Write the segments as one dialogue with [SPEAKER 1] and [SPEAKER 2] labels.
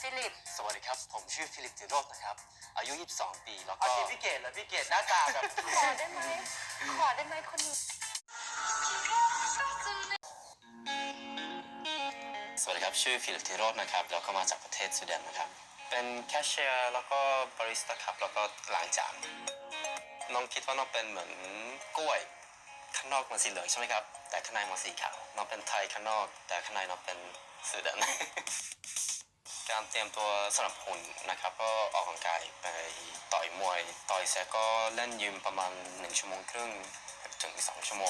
[SPEAKER 1] ฟิลิป
[SPEAKER 2] สวัสดีครับผมชื่อฟิลิปติโรจน์นะครับอายุ22ปีแล้วก็
[SPEAKER 3] เอาทีพี่เกดเหรอพี่เกดหน้าตาแบบ
[SPEAKER 1] ขอได้ไหมคนนี้
[SPEAKER 2] สวัสดีครับชื่อฟิลิปติโรจน์นะครับแล้วก็มาจากประเทศสวีเดนนะครับเป็นแคชเชียร์แล้วก็บาริสต้าครับแล้วก็ล้างจานน้องคิดว่าน้องเป็นเหมือนกล้วยข้างนอกมันสีเหลืองใช่ไหมครับแต่ข้างในมันสีขาวน้องเป็นไทยข้างนอกแต่ข้างในน้องเป็นสวีเดน การเตรียมตัวสำหรับหุ่นนะครับก็ออกกำลังกายไปต่อยมวยต่อยเสร็จก็เล่นยิมประมาณ1 ชั่วโมงครึ่งถึง2 ชั่วโมง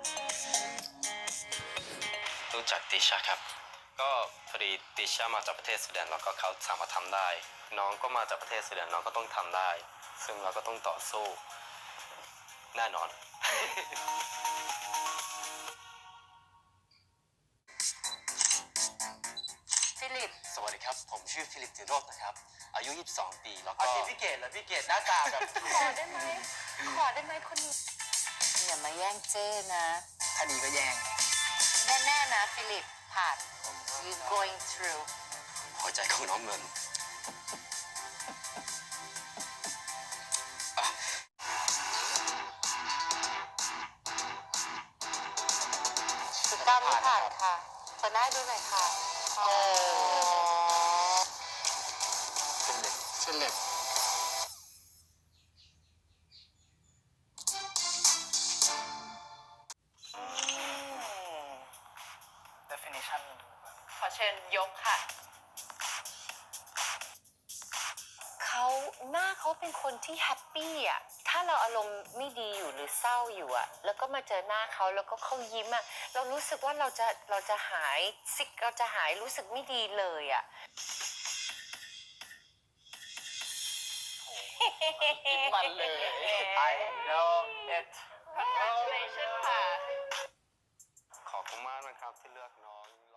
[SPEAKER 2] รู้จักติชาครับก็พอดีติชามาจากประเทศสวีเดนแล้วก็เขาสามารถทำได้น้องก็มาจากประเทศสวีเดนน้องก็ต้องทำได้ซึ่งเราก็ต้องต่อสู้แน่นอน
[SPEAKER 1] ฟิลิป
[SPEAKER 2] สวัสดีครับผมชื่อฟิลิปติโรจน์นะครับอายุ22ปีแล้ว
[SPEAKER 3] เอา
[SPEAKER 2] ก็
[SPEAKER 3] ทีพี่เกดเหรอพี่เกดหน้าตาแบบ
[SPEAKER 1] ขอได้ไหมคนนี้อย่ามาแย่งเจ้นะ
[SPEAKER 3] ถ้าดีก็แย่ง
[SPEAKER 1] แน่ๆนะฟิลิปผ่าน you going through
[SPEAKER 2] หัวใจของน้องเงิน
[SPEAKER 1] 19ไม่ผ่านค่ะเปิดหน้าดูหน่อยค่ะ
[SPEAKER 3] เส้นเล็บ definition
[SPEAKER 1] ขอเชิญยกค่ะหน้าเขาเป็นคนที่แฮปปี้อ่ะถ้าเราอารมณ์ไม่ดีอยู่หรือเศร้าอยู่อ่ะแล้วก็มาเจอหน้าเขาแล้วก็เขายิ้มอ่ะเรารู้สึกว่าเราจะหายซิกเราจะหายรู้สึกไม่ดีเลยอ่ะ
[SPEAKER 3] มันเลย I know it
[SPEAKER 1] Congratulations ค่ะ
[SPEAKER 2] ขอบคุณมากนะครับที่เลือกน้อง